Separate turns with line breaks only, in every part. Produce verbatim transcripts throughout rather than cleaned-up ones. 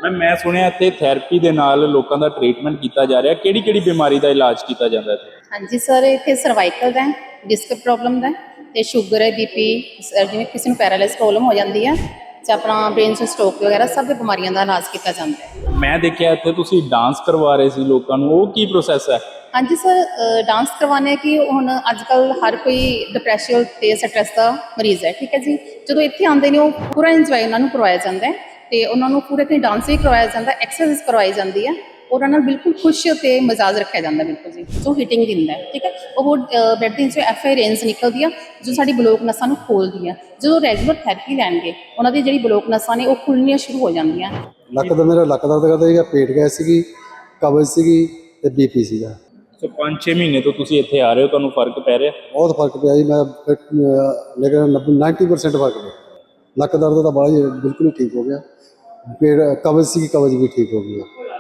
Ma'am मैं सुनिया इत्थे थैरेपी दे नाल लोकां दा ट्रीटमेंट कीता जा रहा, किहड़ी किहड़ी बीमारी दा इलाज कीता जांदा है?
हाँ जी सर, इत्थे सर्वाइकल दा है, डिस्क प्रॉब्लम दा है ते शुगर है, बीपी, जिवें किसी नूं पैरालाइज प्रॉब्लम हो जाती है ते अपना ब्रेन च स्ट्रोक वगैरह सब बीमारियों का इलाज किया जाता है।
मैं देखिया इत्थे तुसीं डांस करवा रहे सी लोकां नूं, ओह की प्रोसैस है?
हाँ जी सर, डांस करवाने कि हुण अजकल हर कोई डिप्रैशन ते स्ट्रैस का मरीज़ है, ठीक है जी। जो इत्थे आते हैं पूरा इंजॉय उन्होंने करवाया जाता है तो उन्होंने पूरे इतने डांस भी करवाया जाता है, एक्सरसाइज करवाई जाती है और उन्होंने बिल्कुल खुश तो मजाज रखा जाता है बिल्कुल जी, जो हीटिंग दिंदा है, ठीक है। वो ब्लड के एफ आई रेंज निकलती है जो साड़ी ब्लॉक नसां नूं खोलती है। जो रेगूलर थैरेपी लैणगे उन्होंने जी ब्लॉक नसां ने वो खुलनियां शुरू हो जांदियां।
ਲੱਕ ਦਾ ਮੇਰਾ ਲੱਕ ਦਰਦ ਕਰਦਾ ਸੀਗਾ, ਪੇਟ ਗੈਸ ਸੀਗੀ, ਕਬਜ਼ ਸੀਗੀ ਤੇ ਬੀਪੀ ਸੀਗਾ।
ਸੋ ਪੰਜ ਛੇ ਮਹੀਨੇ ਤੋਂ ਤੁਸੀਂ ਇੱਥੇ ਆ ਰਹੇ ਹੋ, ਤੁਹਾਨੂੰ ਫਰਕ ਪੈ ਰਿਹਾ?
ਬਹੁਤ ਫਰਕ ਪਿਆ ਜੀ। ਮੈਂ ਲੇਕਿਨ ਨੱਬੇ ਪਰਸੈਂਟ ਫਰਕ ਪਿਆ। ਲੱਕ ਦਰਦ ਤਾਂ ਬੜਾ ਹੀ ਬਿਲਕੁਲ ਹੀ ਠੀਕ ਹੋ ਗਿਆ। ਪੇਟ ਕਬਜ਼ ਸੀਗੀ, ਕਬਜ਼ ਵੀ ਠੀਕ ਹੋ ਗਈ।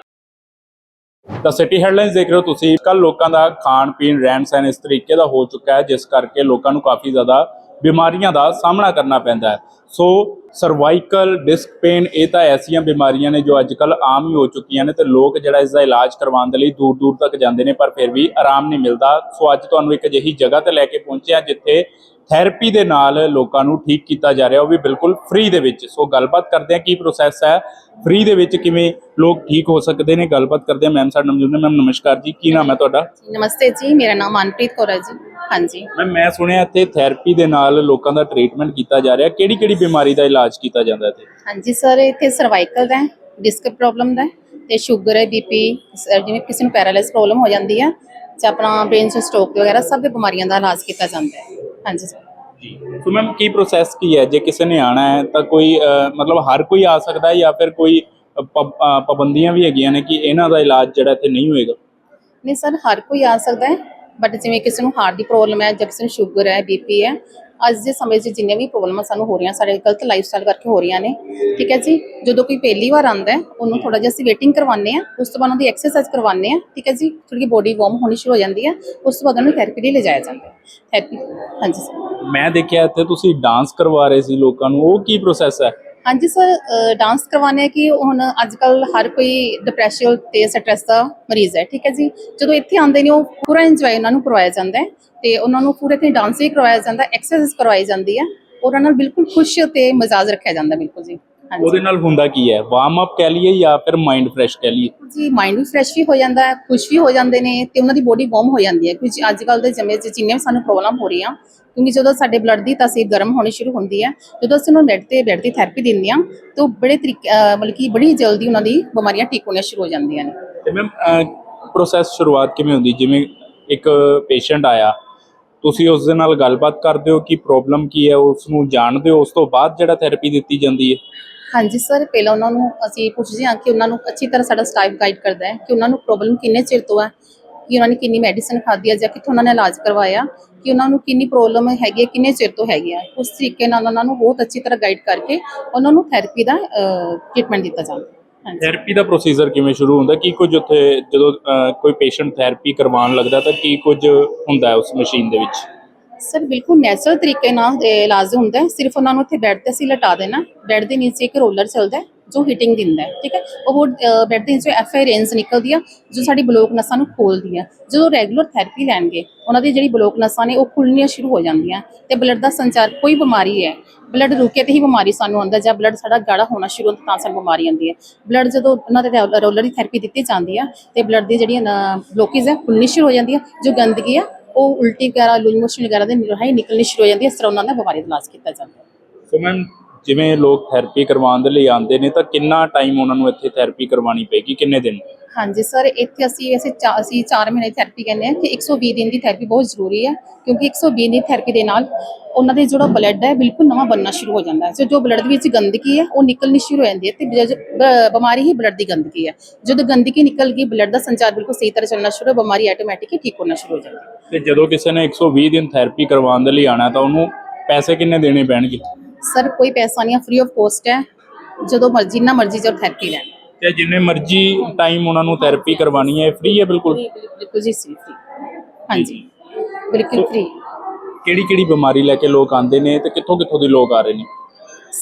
ਤਾਂ ਸਿਟੀ ਹੈਡਲਾਈਨਸ ਦੇਖ ਰਹੇ ਹੋ ਤੁਸੀਂ। ਕੱਲ ਲੋਕਾਂ ਦਾ ਖਾਣ ਪੀਣ ਰਹਿਣ ਸਹਿਣ ਇਸ ਤਰੀਕੇ ਦਾ ਹੋ ਚੁੱਕਾ ਹੈ ਜਿਸ ਕਰਕੇ ਲੋਕਾਂ ਨੂੰ ਕਾਫੀ ਜ਼ਿਆਦਾ ਬਿਮਾਰੀਆਂ ਦਾ ਸਾਹਮਣਾ ਕਰਨਾ ਪੈਂਦਾ ਹੈ। ਸੋ ਸਰਵਾਈਕਲ ਡਿਸਕ ਪੇਨ ਇਹ ਤਾਂ ਐਸੀਆਂ ਬਿਮਾਰੀਆਂ ਨੇ ਜੋ ਅੱਜ ਕੱਲ੍ਹ ਆਮ ਹੀ ਹੋ ਚੁੱਕੀਆਂ ਨੇ ਤੇ ਲੋਕ ਜਿਹੜਾ ਇਸ ਦਾ ਇਲਾਜ ਕਰਵਾਉਣ ਦੇ ਲਈ ਦੂਰ ਦੂਰ ਤੱਕ ਜਾਂਦੇ ਨੇ ਪਰ ਫਿਰ ਵੀ ਆਰਾਮ ਨਹੀਂ ਮਿਲਦਾ। ਸੋ ਅੱਜ ਤੁਹਾਨੂੰ ਇੱਕ ਅਜਿਹੀ ਜਗ੍ਹਾ ਤੇ ਲੈ ਕੇ ਪਹੁੰਚੇ ਹਾਂ ਜਿੱਥੇ ਥੈਰੇਪੀ ਦੇ ਨਾਲ ਲੋਕਾਂ ਨੂੰ ਠੀਕ ਕੀਤਾ ਜਾ ਰਿਹਾ, ਉਹ ਵੀ ਬਿਲਕੁਲ ਫ੍ਰੀ ਦੇ ਵਿੱਚ। ਸੋ ਗੱਲਬਾਤ ਕਰਦੇ ਹਾਂ ਕੀ ਪ੍ਰੋਸੈਸ ਹੈ, ਫ੍ਰੀ ਦੇ ਵਿੱਚ ਕਿਵੇਂ ਲੋਕ ਠੀਕ ਹੋ ਸਕਦੇ ਨੇ। ਗੱਲਬਾਤ ਕਰਦੇ ਹਾਂ। ਮੈਮ ਸਾਡੇ ਨਾਲ ਮੌਜੂਦ ਨੇ। ਮੈਮ ਨਮਸਕਾਰ ਜੀ, ਕੀ ਨਾਮ ਹੈ ਤੁਹਾਡਾ?
नमस्ते जी, मेरा नाम मनप्रीत कौर है जी। हाँ जी
मैम मैं सुनिया इत्थे थैरेपी दे नाल लोकां दा ट्रीटमेंट कीता जा रहा, किहड़ी किहड़ी बीमारी दा इलाज कीता जांदा इत्थे?
हाँ जी सर, इत्थे सर्वाइकल दा है, डिस्क प्रॉब्लम दा है ते शुगर है, बीपी, जिवें किसी नूं पैरालाइज प्रॉब्लम हो जाती है ते अपना ब्रेन च स्ट्रोक वगैरह सब बीमारियों का इलाज किया जाता है। हाँ जी सर
जी। तो मैम की प्रोसैस की है, जे किसी ने आना है तो कोई अ, मतलब हर कोई आ सकता है या फिर कोई पब पाबंदियां भी हैगियां ने कि इन्हां दा इलाज जिहड़ा इत्थे नहीं होएगा?
नहीं सर, हर कोई आ सकता है बट जिवें किसी नूं हार्ट की प्रॉब्लम है जां किसी नूं शुगर है, बीपी है, अज के समय च जिन्ने भी प्रॉब्लम सानूं हो रही हैं साडे गलत लाइफ स्टाइल करके हो रही ने, ठीक है जी। जो कोई पहली बार आता है उन्होंने थोड़ा जिहा असीं वेटिंग करवाने हैं, उस तो बाद उन्होंने एक्सरसाइज करवाने हैं, ठीक है जी। थोड़ी बॉडी वार्म होनी शुरू हो जाती है, उस तो बाद उन्होंने थैरेपी लिए ले जाया जाता है। थैरेपी हाँ जी सर।
मैं देखिया इत्थे तुसीं डांस करवा रहे सी लोकां नूं, ओह की प्रोसैस है?
हाँ जी सर, डांस करवाने कि हुण अजकल हर कोई डिप्रैशन ते स्ट्रैस का मरीज़ है, ठीक है जी। जो इत्थे आते हैं पूरा इंजॉय उन्होंने करवाया जाता है तो उन्होंने पूरे इतने डांस भी करवाया जाता है, एक्सरसाइज करवाई जाती है और उन्होंने बिल्कुल खुश तो मजाज रखा जाता है बिल्कुल जी। हाँ जी
ਉਹਦੇ ਨਾਲ ਹੁੰਦਾ ਕੀ ਹੈ, ਵਾर्म अप कह लीए या फिर माइंड फ्रैश कह लीए?
जी, माइंड भी फ्रैश भी हो जाता है, खुश भी हो जाते हैं तो उन्होंने बॉडी वार्म हो जाती है। क्योंकि अजकल के समय जिन्हें भी सानू प्रॉब्लम हो रही हैं, क्योंकि जो साडे ब्लड की तासीर गर्म होनी शुरू होती है, जो असं उन्होंने बैड से बैड की थैरेपी देंगे हैं तो बड़े तरीके मतलब कि बड़ी जल्दी उन्होंने बीमारियां ठीक होनी शुरू हो जाती हैं।
ਤੇ ਮੈਮ ਪ੍ਰੋਸੈਸ ਸ਼ੁਰੂਆਤ ਕਿਵੇਂ ਹੁੰਦੀ, ਜਿਵੇਂ ਇੱਕ ਪੇਸ਼ੈਂਟ ਆਇਆ ਤੁਸੀਂ ਉਸ ਦੇ ਨਾਲ ਗੱਲਬਾਤ ਕਰਦੇ ਹੋ ਕਿ ਪ੍ਰੋਬਲਮ ਕੀ ਹੈ, ਉਸ ਨੂੰ ਜਾਣਦੇ ਹੋ, ਉਸ ਤੋਂ ਬਾਅਦ ਜਿਹੜਾ ਥੈਰੇਪੀ ਦਿੱਤੀ ਜਾਂਦੀ ਹੈ?
हाँ जी सर, पहले उन्होंने असीं पुछदे हाँ कि उन्होंने अच्छी तरह साडा स्टाफ गाइड करता है कि उन्होंने प्रॉब्लम किन्ने चिर तो है, कि उन्होंने किन्नी मैडिसिन खाधी है, कित्थों उन्होंने इलाज करवाया, कि उन्होंने किन्नी प्रॉब्लम हैगी, किन्ने चिर तो हैगी है। उस तरीके नाल उन्होंने बहुत अच्छी तरह गाइड करके उन्होंने थैरेपी का ट्रीटमेंट दिता जाता है।
ਥੈਰੇਪੀ ਦਾ ਪ੍ਰੋਸੀਜਰ ਕਿਵੇਂ ਸ਼ੁਰੂ ਹੁੰਦਾ, ਕੀ ਕੁਝ ਉੱਥੇ ਜਦੋਂ ਕੋਈ ਪੇਸ਼ੈਂਟ ਥੈਰੇਪੀ ਕਰਵਾਉਣ ਲੱਗਦਾ ਤਾਂ ਕੀ ਕੁਝ ਹੁੰਦਾ ਹੈ ਉਸ ਮਸ਼ੀਨ ਦੇ ਵਿੱਚ?
सर बिल्कुल नैचुरल तरीके नाल इलाज होंदा है। सिर्फ उन्होंने उत्थे बैड ते असीं लटा देना, बैड के नीचे एक रोलर चलता है जो हीटिंग दिंदा है, ठीक है। वो बैड के नीचे एफ आई रेंज निकलती है जो साडी ब्लॉक नसां नूं खोलती है। जो रेगूलर थैरेपी लैणगे उन्हां दी जिहड़ी ब्लॉक नसां ने वो खुलनियां शुरू हो जांदियां ते ब्लड दा संचार, कोई बीमारी है ब्लड रुके तो ही बीमारी सानूं आंदा, जां ब्लड साडा गाढ़ा होना शुरू होंदा तां सानूं बीमारी आंदी है। ब्लड जदों उन्हां दे रोलर की थैरेपी दित्ती जांदी है ते ब्लड दी जिहड़ी ब्लॉकेज है खुलनी शुरू हो जांदी है, जो गंदगी है वो उल्टी वगैरह लूज मोशन वगैरह दे राहीं निकलनी शुरू हो जाती है। इस तरह उन्होंने बीमारी का इलाज किया जाता है।
ਸੋ ਮੈਮ ਜਿਵੇਂ ਲੋਕ ਥੈਰੇਪੀ ਕਰਵਾਉਣ ਦੇ ਲਈ ਆਉਂਦੇ ਨੇ ਤਾਂ ਕਿੰਨਾ ਟਾਈਮ ਉਹਨਾਂ ਨੂੰ ਇੱਥੇ ਥੈਰੇਪੀ ਕਰਵਾਉਣੀ ਪਏਗੀ, ਕਿੰਨੇ ਦਿਨ?
हाँ जी सर, इत्थे असीं वैसे चा असीं चार महीने थैरेपी कहने हैं कि एक सौ बीस दिन की थैरेपी बहुत जरूरी है, क्योंकि एक सौ बीस दिन थैरेपी के नाल उन्हां दे जो ब्लड है बिल्कुल नवां बनना शुरू हो जाता है। जो जो ब्लड विच गंदगी है वो निकलनी शुरू हो जाती है तो बीमारी ही ब्लड की गंदगी है। जो गंदगी निकल गई ब्लड का संचार बिल्कुल सही तरह चलना शुरू, बीमारी ऑटोमैटिक ही ठीक होना शुरू हो जाती है।
ਤੇ ਜਦੋਂ ਕਿਸੇ ਨੇ एक सौ बीस ਦਿਨ ਥੈਰੇਪੀ ਕਰਵਾਉਣ ਦੇ ਲਈ ਆਣਾ ਤਾਂ ਉਹਨੂੰ ਪੈਸੇ ਕਿੰਨੇ ਦੇਣੇ ਪੈਣਗੇ?
सर कोई पैसा नहीं है, फ्री ऑफ कॉस्ट है, जो मर्जी जिन्ना मर्जी जब थैरेपी लैन
ਤੇ ਜਿੰਨੇ ਮਰਜ਼ੀ ਟਾइम ਉਹਨਾਂ ਨੂੰ ਥੈਰੇਪੀ ਕਰਵਾਉਣੀ ਹੈ ਫ੍ਰੀ ਹੈ ਬਿਲकुल?
बिल्कुल जी फ्री हाँ जी बिल्कुल फ्री।
ਕਿਹੜੀ ਕਿਹੜੀ ਬਿਮਾਰੀ ਲੈ ਕੇ ਲੋਕ ਆਉਂਦੇ ਨੇ ਤੇ ਕਿੱਥੋਂ ਕਿੱਥੋਂ ਦੇ ਲੋਕ ਆ ਰਹੇ ਨੇ?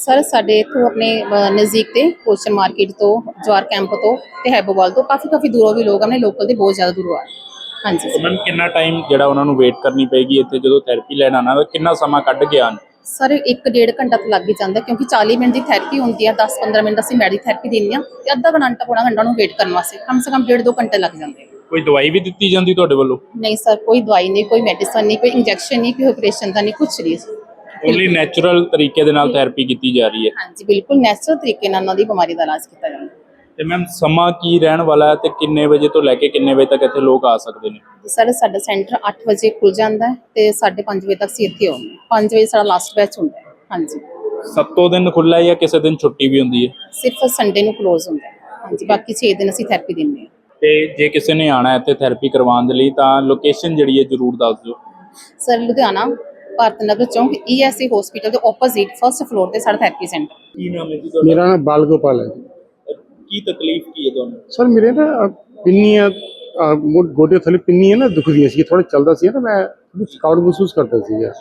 ਸਰ ਸਾਡੇ ਇੱਥੋਂ ਆਪਣੇ ਅ, ਨਜ਼ਦੀਕ ਤੇ ਕੋਸ਼ਨ ਮਾਰਕੀਟ ਤੋਂ, ਜਵਾਰ ਕੈਂਪ ਤੋਂ ਤੇ ਹੈਬੋਵਾਲ ਤੋਂ ਕਾਫੀ ਕਾਫੀ ਦੂਰੋਂ ਵੀ ਲੋਕ ਆਪਣੇ ਲੋਕਲ ਦੇ ਬਹੁਤ ਜ਼ਿਆਦਾ ਦੂਰੋਂ ਆ ਰਹੇ। ਹਾਂਜੀ
ਸੋ ਮੈਮ ਕਿੰਨਾ ਟਾਈਮ ਜਿਹੜਾ ਉਹਨਾਂ ਨੂੰ ਵੇਟ ਕਰਨੀ ਪਏਗੀ ਇੱਥੇ ਜਦੋਂ ਥੈਰੇਪੀ ਲੈਣ ਆਉਣਾ ਹੋਵੇ, ਕਿੰਨਾ ਸਮਾਂ ਕੱਢ ਕੇ ਆਉਣ?
ਸਰ ਇੱਕ ਡੇਢ ਘੰਟਾ ਤਾਂ ਲੱਗ ਹੀ ਜਾਂਦਾ ਕਿਉਂਕਿ ਚਾਲੀ ਮਿੰਟ ਦੀ ਥੈਰੇਪੀ ਹੁੰਦੀ ਹੈ, ਦਸ ਪੰਦਰਾਂ ਮਿੰਟ ਅਸੀਂ ਮੈਡੀ ਥੈਰੇਪੀ ਦਿੰਦੇ ਹਾਂ ਤੇ ਅੱਧਾ ਘੰਟਾ ਪੌਣਾ ਘੰਟਾ ਨੂੰ ਵੇਟ ਕਰਨ ਵਾਸਤੇ ਕਮ ਸੇ ਕਮ ਡੇਢ ਦੋ ਘੰਟੇ ਲੱਗ ਜਾਂਦੇ।
ਕੋਈ ਦਵਾਈ ਵੀ ਦਿੱਤੀ ਜਾਂਦੀ ਤੁਹਾਡੇ ਵੱਲੋਂ?
ਨਹੀਂ ਸਰ, ਕੋਈ ਦਵਾਈ ਨਹੀਂ, ਕੋਈ ਮੈਡੀਸਨ ਨਹੀਂ, ਕੋਈ ਇੰਜੈਕਸ਼ਨ ਨਹੀਂ, ਕੋਈ ਆਪਰੇਸ਼ਨ ਦਾ ਨਹੀਂ, ਕੁਛ ਨਹੀਂ।
ਓਨਲੀ ਨੈਚੁਰਲ ਤਰੀਕੇ ਦੇ ਨਾਲ ਥੈਰੇਪੀ ਕੀਤੀ ਜਾ ਰਹੀ ਹੈ।
ਹਾਂਜੀ ਬਿਲਕੁਲ ਨੈਚੁਰਲ ਤਰੀਕੇ ਨਾਲ ਉਹਨਾਂ ਦੀ ਬਿਮਾਰੀ ਦਾ ਇਲਾਜ ਕੀਤਾ ਜਾਂਦਾ।
ਤੇ ਮੈਮ ਸਮਾਂ ਕੀ ਰਹਿਣ ਵਾਲਾ ਹੈ ਤੇ ਕਿੰਨੇ ਵਜੇ ਤੋਂ ਲੈ ਕੇ ਕਿੰਨੇ ਵਜੇ ਤੱਕ ਇੱਥੇ ਲੋਕ ਆ ਸਕਦੇ ਨੇ?
ਸਰ ਸਾਡਾ ਸੈਂਟਰ ਅੱਠ ਵਜੇ ਖੁੱਲ ਜਾਂਦਾ ਹੈ ਤੇ ਸਾਢੇ ਪੰਜ ਵਜੇ ਤੱਕ ਅਸੀਂ ਇੱਥੇ ਆਉਂਦੇ ਹਾਂ। ਪੰਜ ਵਜੇ ਸਾਡਾ ਲਾਸਟ ਬੈਚ ਹੁੰਦਾ ਹੈ। ਹਾਂਜੀ
ਸੱਤੋਂ ਦਿਨ ਖੁੱਲ੍ਹਾ ਹੈ ਜਾਂ ਕਿਸੇ ਦਿਨ ਛੁੱਟੀ ਵੀ ਹੁੰਦੀ ਹੈ?
ਸਿਰਫ ਸੰਡੇ ਨੂੰ ਕਲੋਜ਼ ਹੁੰਦਾ ਹੈ। ਹਾਂਜੀ ਬਾਕੀ ਛੇ ਦਿਨ ਅਸੀਂ ਥੈਰੇਪੀ ਦਿੰਦੇ ਹਾਂ।
ਤੇ ਜੇ ਕਿਸੇ ਨੇ ਆਣਾ ਇੱਥੇ ਥੈਰੇਪੀ ਕਰਵਾਉਣ ਦੇ ਲਈ ਤਾਂ ਲੋਕੇਸ਼ਨ ਜਿਹੜੀ ਹੈ ਜ਼ਰੂਰ ਦੱਸ ਦਿਓ।
ਸਰ ਲੁਧਿਆਣਾ ਭਾਰਤ ਨਗਰ ਚੌਂਕ ਈ ਐਸ ਏ ਹਸਪੀਟਲ ਦੇ ਆਪੋਜ਼ਿਟ ਫਰਸਟ ਫਲੋਰ ਤੇ ਸਾਡਾ ਥੈਰੇਪੀ ਸੈਂਟਰ।
ਕੀ ਨਾਮ ਹੈ ਜੀ
ਮੇਰਾ ਨਾਮ ਬਾਲ ਗੋਪਾਲ ਹੈ ਜੀ।
ਕੀ ਤਕਲੀਫ ਕੀ ਹੈ ਤੁਹਾਨੂੰ?
ਸਰ ਮੇਰੇ ਨਾ ਅਹ, ਪਿੰਨੀਆਂ ਅਹ, ਮੋ- ਗੋਡੇ ਥੱਲੇ ਪਿੰਨੀਆਂ ਨਾ ਦੁਖਦੀਆਂ ਸੀ, ਥੋੜਾ ਚੱਲਦਾ ਸੀ ਨਾ, ਮੈਂ ਥੋੜ੍ਹੀ ਥਕਾਵਟ ਮਹਿਸੂਸ ਕਰਦਾ ਸੀਗਾ।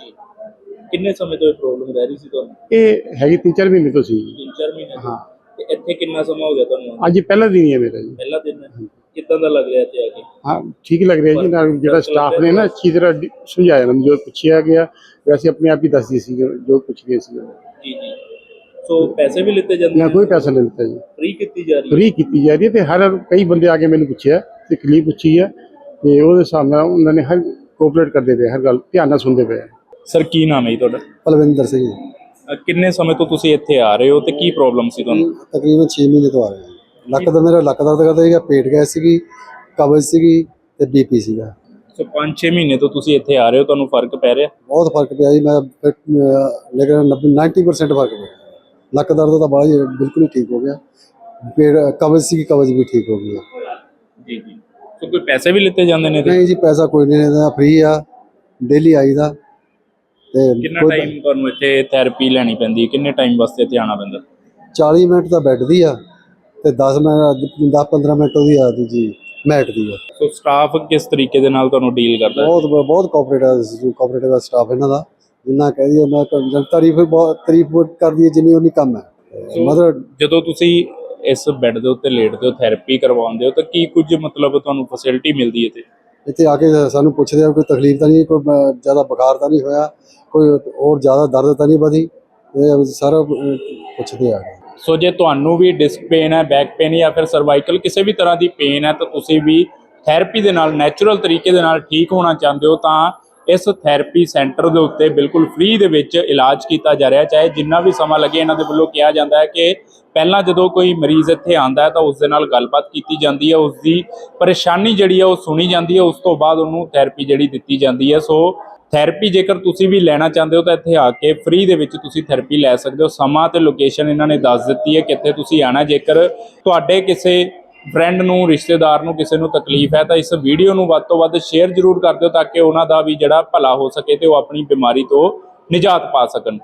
ਕਿੰਨੇ ਸਮੇਂ ਤੋਂ ਇਹ ਪ੍ਰੋਬਲਮ ਰਹਿ ਰਹੀ ਸੀ ਤੁਹਾਨੂੰ?
ਇਹ ਹੈਗੀ ਤਿੰਨ ਚਾਰ ਮਹੀਨੇ ਤੋਂ ਸੀ।
ਤਿੰਨ ਚਾਰ ਮਹੀਨੇ ਤੋਂ?
ਹਾਂ।
ਤੇ ਇੱਥੇ ਕਿੰਨਾ ਸਮਾਂ ਹੋ ਗਿਆ ਤੁਹਾਨੂੰ?
ਅੱਜ ਇਹ ਪਹਿਲਾ ਦਿਨ ਹੀ ਹੈ ਮੇਰਾ ਜੀ।
ਪਹਿਲਾ ਦਿਨ ਹੈ। ਕਿੱਦਾਂ ਦਾ ਲੱਗ ਰਿਹਾ ਇੱਥੇ ਆ ਕੇ?
ਹਾਂ ਠੀਕ ਲੱਗ ਰਿਹਾ ਜੀ। ਨਾਲ ਜਿਹੜਾ ਸਟਾਫ ਨੇ ਨਾ ਅੱਛੀ ਤਰ੍ਹਾਂ ਡੀ- ਸਮਝਾਇਆ ਮੈਨੂੰ, ਜੋ ਪੁੱਛਿਆ ਗਿਆ ਵੈਸੇ ਆਪਣੇ ਆਪ ਹੀ ਦੱਸਦੀ ਸੀ ਜੋ ਪੁੱਛ ਗਏ ਸੀ।
ਜੀ ਜੀ। ਸੋ ਪੈਸੇ ਵੀ ਲਿੱਤੇ ਜਾਂਦੇ
ਨਾ ਕੋਈ ਪੈਸਾ ਨਹੀਂ ਲਿੱਤਾ ਜੀ,
ਫ੍ਰੀ ਕੀਤੀ ਜਾ ਰਹੀ ਹੈ?
ਫ੍ਰੀ ਕੀਤੀ ਜਾ ਰਹੀ ਹੈ। ਤੇ ਹਰ ਕਈ ਬੰਦੇ ਆ ਕੇ ਮੈਨੂੰ ਪੁੱਛਿਆ ਤੇ ਤਕਲੀਫ ਪੁੱਛੀ ਹੈ ਤੇ ਉਹਦੇ ਹਿਸਾਬ ਨਾਲ ਉਹਨਾਂ ਨੇ ਹਰ ਕੋਆਪਰੇਟ ਕਰਦੇ ਪਏ, ਹਰ ਗੱਲ ਧਿਆਨ ਨਾਲ ਸੁਣਦੇ ਪਏ।
ਸਰ ਕੀ ਨਾਮ ਹੈ ਜੀ ਤੁਹਾਡਾ?
ਪਲਵਿੰਦਰ ਸਿੰਘ ਜੀ।
ਅਹ ਕਿੰਨੇ ਸਮੇਂ ਤੋਂ ਤੁਸੀਂ ਇੱਥੇ ਆ ਰਹੇ ਹੋ ਤੇ ਕੀ ਪ੍ਰੋਬਲਮ ਸੀ ਤੁਹਾਨੂੰ?
ਤਕਰੀਬਨ ਛੇ ਮਹੀਨੇ ਤੋਂ ਆ ਰਿਹਾ ਜੀ। ਲੱਕ ਦਾ ਮੇਰਾ ਲੱਕ ਦਰਦ ਕਰਦਾ ਸੀਗਾ, ਪੇਟ ਗੈਸ ਸੀਗੀ, ਕਬਜ਼ ਸੀਗੀ ਤੇ ਬੀਪੀ ਸੀਗਾ।
ਸੋ ਪੰਜ ਛੇ ਮਹੀਨੇ ਤੋਂ ਤੁਸੀਂ ਇੱਥੇ ਆ ਰਹੇ ਹੋ, ਤੁਹਾਨੂੰ ਫਰਕ ਪੈ ਰਿਹਾ?
ਬਹੁਤ ਫਰਕ ਪਿਆ ਜੀ। ਮੈਂ ਫਿਰ, ਅਹ, ਲੇਕਿਨ ਨੱਬੇ ਨਾਈਨਟੀ ਪਰਸੈਂਟ ਫਰਕ ਪਿਆ। ਲੱਕ ਦਰਦ ਤਾਂ ਬੜਾ ਹੀ ਬਿਲਕੁਲ ਹੀ ਠੀਕ ਹੋ ਗਿਆ। ਪੇਟ ਕਬਜ਼ ਸੀਗੀ, ਕਬਜ਼ ਵੀ ਠੀਕ ਹੋ ਗਈ ਹੈ।
ਜੀ ਜੀ। ਸੋ ਕੋਈ ਪੈਸੇ ਵੀ ਲਿੱਤੇ ਜਾਂਦੇ ਨੇ ਇਹਦੇ?
ਨਹੀਂ ਜੀ, ਪੈਸਾ ਕੋਈ ਨਹੀਂ ਲੈਂਦਾ, ਫ੍ਰੀ ਆ, ਡੇਲੀ ਆਈਦਾ। ਤੇ
ਕਿੰਨਾ
ਕੋਈ
ਟਾਈਮ ਤੁਹਾਨੂੰ ਇੱਥੇ ਥੈਰੇਪੀ ਲੈਣੀ ਪੈਂਦੀ ਹੈ? ਕਿੰਨੇ ਟਾਈਮ ਵਾਸਤੇ ਇੱਥੇ ਆਉਣਾ ਪੈਂਦਾ?
ਚਾਲੀ ਮਿੰਟ ਤਾਂ ਬੈੱਡ ਦੀ ਆ ਤੇ ਦਸ ਮਿੰਟ ਦਸ ਪੰਦਰਾਂ ਮਿੰਟ ਉਹਦੀ ਆ ਦੂਜੀ ਮੈਟ ਦੀ ਆ।
ਸੋ ਸਟਾਫ ਕਿਸ ਤਰੀਕੇ ਦੇ ਨਾਲ ਤੁਹਾਨੂੰ ਡੀਲ ਕਰਦਾ ਹੈ?
ਬਹੁਤ ਬਹੁਤ ਕੋਆਪਰੇਟਿਵ ਕੋਆਪਰੇਟਿਵ ਸਟਾਫ ਇਹਨਾਂ ਦਾ, ਜਿੰਨਾ ਕਹਿ ਦਈਏ ਉਹਨਾਂ ਤਾਰੀਫ ਬਹੁਤ ਤਾਰੀਫ ਕਰਦੀ ਹੈ ਜਿੰਨੀ ਉਹਨੀ ਕੰਮ ਹੈ।
ਸੋ
ਮਤਲਬ
ਜਦੋਂ ਤੁਸੀਂ ਇਸ ਬੈੱਡ ਦੇ ਉੱਤੇ ਲੇਟਦੇ ਹੋ, ਥੈਰੇਪੀ ਕਰਵਾਉਂਦੇ ਹੋ ਤਾਂ ਕੀ ਕੁਝ ਮਤਲਬ ਤੁਹਾਨੂੰ ਫੈਸਿਲਿਟੀ ਮਿਲਦੀ ਹੈ ਇੱਥੇ?
ਇੱਥੇ ਆ ਕੇ ਸਾਨੂੰ ਪੁੱਛਦੇ ਆ ਕੋਈ ਤਕਲੀਫ ਤਾਂ ਨਹੀਂ, ਕੋਈ ਬ- ਜ਼ਿਆਦਾ ਬੁਖਾਰ ਤਾਂ ਨਹੀਂ ਹੋਇਆ, ਕੋਈ ਹੋਰ ਜ਼ਿਆਦਾ ਦਰਦ ਤਾਂ ਨਹੀਂ ਵਧੀ, ਇਹ ਸਾਰਾ ਅਹ, ਪੁੱਛਦੇ ਆ।
ਸੋ ਜੇ ਤੁਹਾਨੂੰ ਵੀ ਡਿਸਕ ਪੇਨ ਹੈ, ਬੈਕ ਪੇਨ ਜਾਂ ਫਿਰ ਸਰਵਾਈਕਲ ਕਿਸੇ ਵੀ ਤਰ੍ਹਾਂ ਦੀ ਪੇਨ ਹੈ ਤਾਂ ਤੁਸੀਂ ਵੀ ਥੈਰੇਪੀ ਦੇ ਨਾਲ ਨੈਚੁਰਲ ਤਰੀਕੇ ਦੇ ਨਾਲ ਠੀਕ ਹੋਣਾ ਚਾਹੁੰਦੇ ਹੋ ਤਾਂ ਇਸ ਥੈਰੇਪੀ ਸੈਂਟਰ ਦੇ ਉੱਤੇ ਬਿਲਕੁਲ ਫ੍ਰੀ ਦੇ ਵਿੱਚ ਇਲਾਜ ਕੀਤਾ ਜਾ ਰਿਹਾ। ਚਾਹੇ ਜਿੰਨਾ ਵੀ ਸਮਾਂ ਲੱਗੇ, ਇਹਨਾਂ ਦੇ ਵੱਲੋਂ ਕਿਹਾ ਜਾਂਦਾ ਹੈ ਕਿ ਪਹਿਲਾਂ ਜਦੋਂ ਕੋਈ ਮਰੀਜ਼ ਇੱਥੇ ਆਉਂਦਾ ਹੈ ਤਾਂ ਉਸ ਦੇ ਨਾਲ ਗੱਲਬਾਤ ਕੀਤੀ ਜਾਂਦੀ ਹੈ, ਉਸ ਦੀ ਪਰੇਸ਼ਾਨੀ ਜਿਹੜੀ ਹੈ ਉਹ ਸੁਣੀ ਜਾਂਦੀ ਹੈ, ਉਸ ਤੋਂ ਬਾਅਦ ਉਹਨੂੰ ਥੈਰੇਪੀ ਜਿਹੜੀ ਦਿੱਤੀ ਜਾਂਦੀ ਹੈ। ਸੋ ਥੈਰੇਪੀ ਜੇਕਰ ਤੁਸੀਂ ਵੀ ਲੈਣਾ ਚਾਹੁੰਦੇ ਹੋ ਤਾਂ ਇੱਥੇ ਆ ਕੇ ਫ੍ਰੀ ਦੇ ਵਿੱਚ ਤੁਸੀਂ ਥੈਰੇਪੀ ਲੈ ਸਕਦੇ ਹੋ। ਸਮਾਂ ਤੇ ਲੋਕੇਸ਼ਨ ਇਹਨਾਂ ਨੇ ਦੱਸ ਦਿੱਤੀ ਹੈ ਕਿੱਥੇ ਤੁਸੀਂ ਆਣਾ। ਜੇਕਰ ਤੁਹਾਡੇ ਕਿਸੇ ਫਰੈਂਡ ਨੂੰ, ਰਿਸ਼ਤੇਦਾਰ ਨੂੰ, ਕਿਸੇ ਨੂੰ ਤਕਲੀਫ ਹੈ ਤਾਂ ਇਸ ਵੀਡੀਓ ਨੂੰ ਵੱਧ ਤੋਂ ਵੱਧ ਸ਼ੇਅਰ ਜ਼ਰੂਰ ਕਰ ਦਿਓ ਤਾਂ ਕਿ ਉਹਨਾਂ ਦਾ ਵੀ ਜਿਹੜਾ ਭਲਾ ਹੋ ਸਕੇ ਤੇ ਉਹ ਆਪਣੀ ਬਿਮਾਰੀ ਤੋਂ ਨਿਜਾਤ ਪਾ ਸਕਣ।